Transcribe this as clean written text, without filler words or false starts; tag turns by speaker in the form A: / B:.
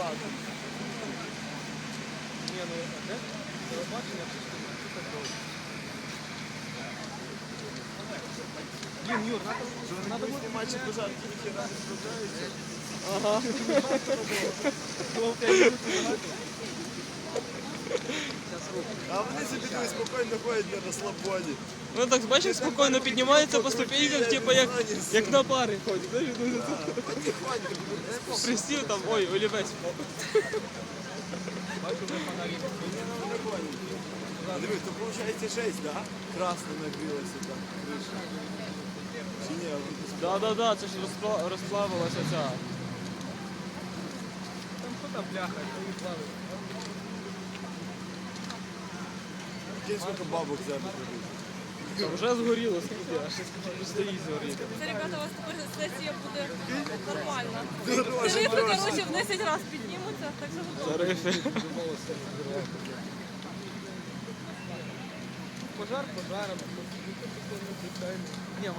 A: Ні, ну, де? Телебачення, це так довго. Блін, Юр, надо буде
B: Матчі пожарки ніхера не справляються.
A: Ага.
B: А вони собі тут спокійно ходять на розслабоні.
A: Ну так, бачиш, спокійно піднімається по ступеньках, типу як на пари ходить. Знаєш,
B: Потихоньку.
A: присів там, ой, олівець.
B: Диви, то виходить 6, да? Красно нагрілося там криша. Чи ні?
A: Да, це ж розплавилася ця.
C: Там що там бляха, що їх плавить?
B: Кінь скільки бабок зараз робить.
A: Вже згоріло, скільки, аж стоїть згоріти.
D: Це, ребята, у вас тепер сесія буде нормальна.
B: Дороже,
D: Тарифи,
B: дороже.
D: коротше, в 10 разів піднімуться, так що готово.
A: Тарифи.
C: Пожар пожаром. Ні,